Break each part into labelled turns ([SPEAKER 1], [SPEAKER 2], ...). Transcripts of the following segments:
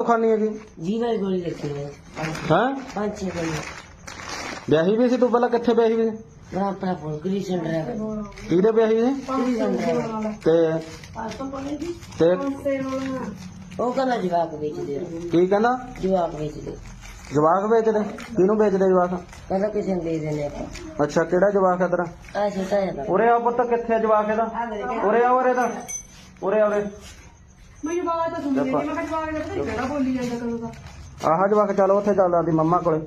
[SPEAKER 1] ਖਾਣੀ ਹੈਗੀ
[SPEAKER 2] जी भाई गोली रखी है
[SPEAKER 1] ਹੈ
[SPEAKER 2] 5-6 गोली
[SPEAKER 1] ਵਿਆਹੀ ਵੀ ਸੀ ਤੂੰ ਪਹਿਲਾਂ ਕਿੱਥੇ ਵਿਆਹੀ ਵੀ ਸੀ
[SPEAKER 2] बड़ा अपना फोन क्रिशन ड्राइवर
[SPEAKER 1] ਕਿਹਦੇ ਵਿਆਹੀ ਸੀ
[SPEAKER 2] क्रिशन ड्राइवर
[SPEAKER 1] ਤੇ ਤੇ
[SPEAKER 2] वो कहना जवाब बेच दे
[SPEAKER 1] ਕੀ ਕਹਿੰਦਾ
[SPEAKER 2] जवाब बेच दे
[SPEAKER 1] ਜਵਾਕ ਵੇਚਦੇ ਕਿਹਨੂੰ ਵੇਚਦੇ ਜਵਾਕ
[SPEAKER 2] कहना किसी ने दे देने आप
[SPEAKER 1] ਅੱਛਾ ਕਿਹੜਾ ਜਵਾਕ ਹੈ ਤੇਰਾ
[SPEAKER 2] ऐसे होता है
[SPEAKER 1] ਉਰੇ ਆ ਪੁੱਤ ਕਿੱਥੇ ਆ ਜਵਾਕ ਇਹਦਾ ਉਰੇ ਆ ਉਰੇ ਦਾ ਉਰੇ ਆ ਉਰੇ
[SPEAKER 3] ਮੈਨੂੰ ਬਾਤ ਤਾਂ ਸੁਣੀ ਨਹੀਂ ਮੈਂ ਜਵਾਬ ਦੇ ਪਤਾ ਕਿਹੜਾ ਬੋਲੀ ਜਾਂਦਾ ਕਦੋਂ ਦਾ
[SPEAKER 1] ਆਹ ਜਵਾਕ ਚਲੋ ਉੱਥੇ ਚੱਲਦਾ ਦੀ ਮੰਮਾ ਕੋਲੇ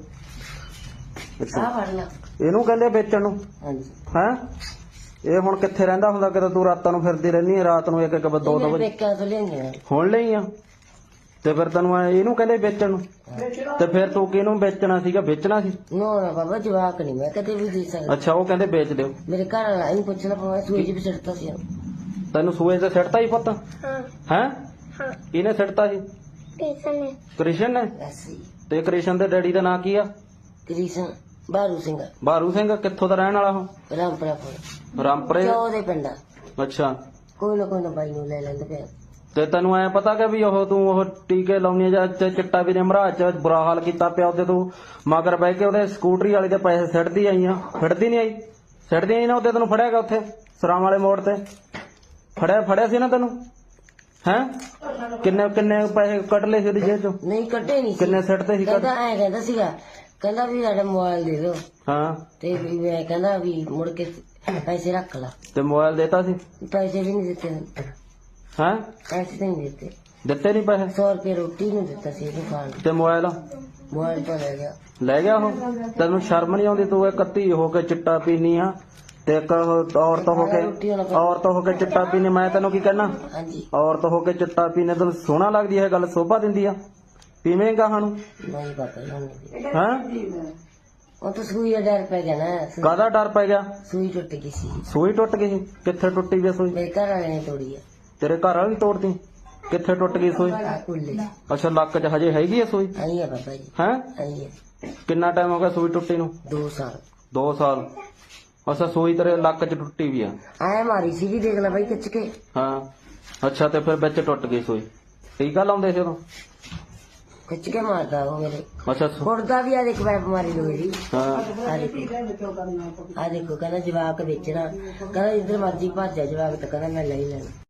[SPEAKER 2] आ पढ़ना
[SPEAKER 1] ਇਹਨੂੰ ਕਹਿੰਦੇ ਵੇਚਣ ਨੂੰ
[SPEAKER 2] हाँ जी
[SPEAKER 1] ਹੈ ਇਹ ਹੁਣ ਕਿੱਥੇ ਰਹਿੰਦਾ ਹੁੰਦਾ ਕਿਤੇ ਤੂੰ ਰਾਤਾਂ ਨੂੰ ਫਿਰਦੀ ਰਹਿੰਦੀ ਹੈ ਰਾਤ ਨੂੰ ਇੱਕ ਇੱਕ ਦੋ ਦੋ ਵਜੇ
[SPEAKER 2] बेका तो लेंगे
[SPEAKER 1] ਹੁਣ ਲਈ ਆ ਤੇ ਫਿਰ ਤੈਨੂੰ ਇਹਨੂੰ ਕਹਿੰਦੇ ਵੇਚਣ ਨੂੰ ਤੇ ਫਿਰ ਤੂੰ ਕਿਹਨੂੰ ਵੇਚਣਾ ਸੀਗਾ ਵੇਚਣਾ ਸੀ
[SPEAKER 2] नो ना बाबा जवाब नहीं मैं कदे भी दे सकता
[SPEAKER 1] ਅੱਛਾ ਉਹ ਕਹਿੰਦੇ ਵੇਚ ਦਿਓ
[SPEAKER 2] मेरे घर वाला इन पूछना पड़ा सूरज भी चढ़ता सी
[SPEAKER 1] ਤੈਨੂੰ ਸੂਏ ਤੇ ਸਿੱਟਤਾ ਹੀ ਪੁੱਤ
[SPEAKER 4] हाँ
[SPEAKER 1] ਹੈ
[SPEAKER 4] हाँ
[SPEAKER 1] ਇਹਨੇ ਸਿੱਟਤਾ ਸੀ
[SPEAKER 4] कैसन है
[SPEAKER 1] ਕ੍ਰਿਸ਼ਨ ਨੇ
[SPEAKER 2] ऐसे ही
[SPEAKER 1] ਤੇ ਕ੍ਰਿਸ਼ਨ ਦੇ ਡੈਡੀ ਦਾ ਨਾਂ ਕੀ ਆ
[SPEAKER 2] कृष्ण बारू सिंह
[SPEAKER 1] ਬਾਰੂ ਸਿੰਘ ਕਿੱਥੋਂ ਦਾ ਰਹਿਣ ਵਾਲਾ ਉਹ
[SPEAKER 2] रामपुरा फोन
[SPEAKER 1] ਰਾਮਪੁਰੇ
[SPEAKER 2] क्यों दे पिंडा
[SPEAKER 1] ਅੱਛਾ
[SPEAKER 2] कोई ना बाई नु ले लेंदे पे
[SPEAKER 1] ਤੇ ਤੈਨੂੰ ਐ ਪਤਾ ਕਿ ਵੀ ਉਹ ਤੂੰ ਉਹ ਟੀਕੇ ਲਾਉਣੀ ਜਾਂ ਚਿੱਟਾ ਵੀ ਨੇ ਮਹਾਰਾਜ ਚ ਬੁਰਾ ਹਾਲ ਕੀਤਾ ਪਿਆ ਉਹਦੇ ਤੂੰ ਮਗਰ ਬਹਿ ਕੇ ਉਹਦੇ ਸਕੂਟਰੀ ਵਾਲੇ ਦੇ ਪੈਸੇ ਸਿੱਟਦੀ ਆਈਆਂ ਫਿੜਦੀ ਨਹੀਂ ਆਈ ਸਿੱਟਦੀ ਨਹੀਂ ਨਾ ਉਹਦੇ ਤੈਨੂੰ ਫੜਿਆਗਾ ਉੱਥੇ ਸਰਾਂ ਵਾਲੇ ਮੋੜ ਤੇ ਫੜਿਆ ਸੀ ਨਾ ਤੈਨੂੰ ਹੈ ਕਿੰਨੇ ਕਿੰਨੇ ਪੈਸੇ ਕੱਢ ਲਏ ਸੀ ਉਹਦੀ ਜੇਬ ਚੋਂ
[SPEAKER 2] नहीं कटे नहीं
[SPEAKER 1] ਕਿੰਨੇ ਸਿੱਟਦੇ ਸੀ ਕੱਢ
[SPEAKER 2] कहता ऐ कहता सीगा कहता भी साडा मोबाइल दे दो
[SPEAKER 1] ਹਾਂ
[SPEAKER 2] ते भी मैं कहता भी मुड़ के पैसे रख ला
[SPEAKER 1] ਤੇ ਮੋਬਾਈਲ ਦੇਤਾ ਸੀ
[SPEAKER 2] पैसे भी नहीं देते
[SPEAKER 1] ਹੈ
[SPEAKER 2] पैसे तो नहीं देते
[SPEAKER 1] ਦਿੱਤੇ ਨਹੀਂ ਪੈਸੇ
[SPEAKER 2] 100 रुपये रोटी नहीं देता सी दुकान
[SPEAKER 1] ਤੇ ਮੋਬਾਈਲ
[SPEAKER 2] मोबाइल तो ले गया
[SPEAKER 1] ਲੈ ਗਿਆ ਉਹ ਤੈਨੂੰ ਸ਼ਰਮ ਨਹੀਂ ਆਉਂਦੀ ਤੂੰ ਇੱਕ ਧੀ ਹੋ ਕੇ ਚਿੱਟਾ ਪੀਨੀ ਆ ਤੇ ਇੱਕ ਔਰਤ ਹੋ ਕੇ ਚਿੱਟਾ ਪੀਨੀ ਮੈਂ ਤੈਨੂੰ ਕੀ ਕਹਿਣਾ
[SPEAKER 2] हाँ जी
[SPEAKER 1] ਔਰਤ ਹੋ ਕੇ ਚਿੱਟਾ ਪੀਨੇ ਤੈਨੂੰ ਸੋਹਣਾ ਲੱਗਦੀ ਹੈ ਗੱਲ ਸੋਭਾ ਦਿੰਦੀ ਆ ਪੀਵੇਂਗਾ ਸਾਨੂੰ
[SPEAKER 2] नहीं पापा नहीं
[SPEAKER 1] ਹੈ
[SPEAKER 2] वो तो सुई डर पे गया ना
[SPEAKER 1] ਕਾਹਦਾ ਡਰ ਪੈ ਗਿਆ
[SPEAKER 2] सुई टूट गई सी
[SPEAKER 1] ਸੂਈ ਟੁੱਟ ਗਈ ਸੀ? ਕਿੱਥੇ ਟੁੱਟੀ ਗਈ ਸੂਈ
[SPEAKER 2] मेरे घर वाले ने तोड़ी है
[SPEAKER 1] ਤੇਰੇ ਘਰ ਵਾਲੀ ਤੋੜਦੀ ਕਿੱਥੇ ਟੁੱਟ ਗਈ ਸੂਈ
[SPEAKER 2] आ कुल्ले
[SPEAKER 1] ਅੱਛਾ ਲੱਕ 'ਚ ਹਜੇ ਹੈਗੀ ਆ ਸੂਈ
[SPEAKER 2] आई है पापा जी
[SPEAKER 1] ਹੈ
[SPEAKER 2] आई है
[SPEAKER 1] ਕਿੰਨਾ ਟਾਈਮ ਹੋ ਗਿਆ ਸੂਈ ਟੁੱਟੀ ਨੂੰ
[SPEAKER 2] 2 साल
[SPEAKER 1] 2 ਸਾਲ ਅੱਛਾ ਸੂਈ ਤੇਰੇ ਲੱਕ 'ਚ ਟੁੱਟੀ ਵੀ ਆ
[SPEAKER 2] आया मारी सी भी देख ला भाई कच के
[SPEAKER 1] ਹਾਂ ਅੱਛਾ ਤੇ ਫਿਰ ਵਿੱਚ ਟੁੱਟ ਗਈ ਸੂਈ ਟੀਕਾ ਲਾਉਂਦੇ ਸੀ ਉਦੋਂ
[SPEAKER 2] कच के मारता वो मेरे
[SPEAKER 1] ਅੱਛਾ
[SPEAKER 2] मुर्दा भी आ देख पैप मारी लो मेरी
[SPEAKER 1] ਹਾਂ
[SPEAKER 2] आ देखो कहना जवाक बेचना कहना इधर मर्जी भज जा जवाक तो कहना मैं ले लेना